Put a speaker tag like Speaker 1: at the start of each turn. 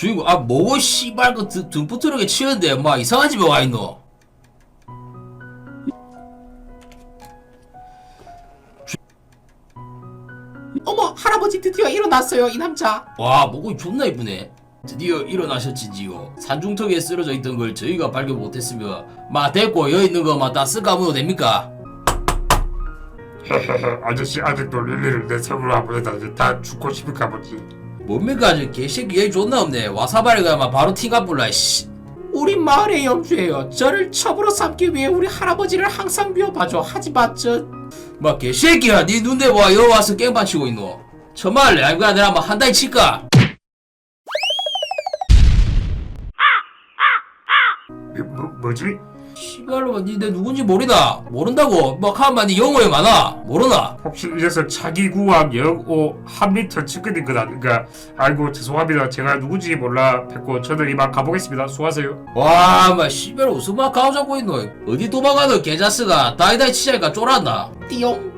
Speaker 1: 주인공 뭐고 씨발 그 등부트럭에 치는데 막 이상한 집에 와있노.
Speaker 2: 어머, 할아버지 드디어 일어났어요, 이 남자.
Speaker 1: 와 목이 존나 이쁘네. 드디어 일어나셨지지요. 산중턱에 쓰러져 있던 걸 저희가 발견 못했으면 마 됐고 여기 있는 거 막 다 쓸까무도 됩니까?
Speaker 3: 아저씨 아직도 릴리를 내 손으로 안 보내다 이제 다 죽고 싶을까 보지.
Speaker 1: 뭡니까 저 개새끼 얘기 존나 없네. 와사바리 가면 바로 티가 불라 씨.
Speaker 2: 우리 마을의 영주예요. 저를 첩으로 삼기 위해 우리 할아버지를 항상 미워봐줘. 하지만
Speaker 1: 막 개새끼야 니 눈대 와 여기 와서 깽판 치고 있노. 처말래 아이고 내가 한번 한 달 칠까?
Speaker 3: 뭐지?
Speaker 1: 씨발로 니 내 누군지 모르나? 모른다고? 막 하면 니 영어에 많아 모르나?
Speaker 3: 혹시 이래서 자기 구함 영오 한미터 측근인 건 아닌가? 아이고 죄송합니다. 제가 누군지 몰라 뵙고 저는 이만 가보겠습니다. 수고하세요.
Speaker 1: 와, 마 씨발 웃음 막 가오 잡고 있노. 어디 도망가노 개자스가 다이다이 치자니까 쫄았나?
Speaker 2: 띠용.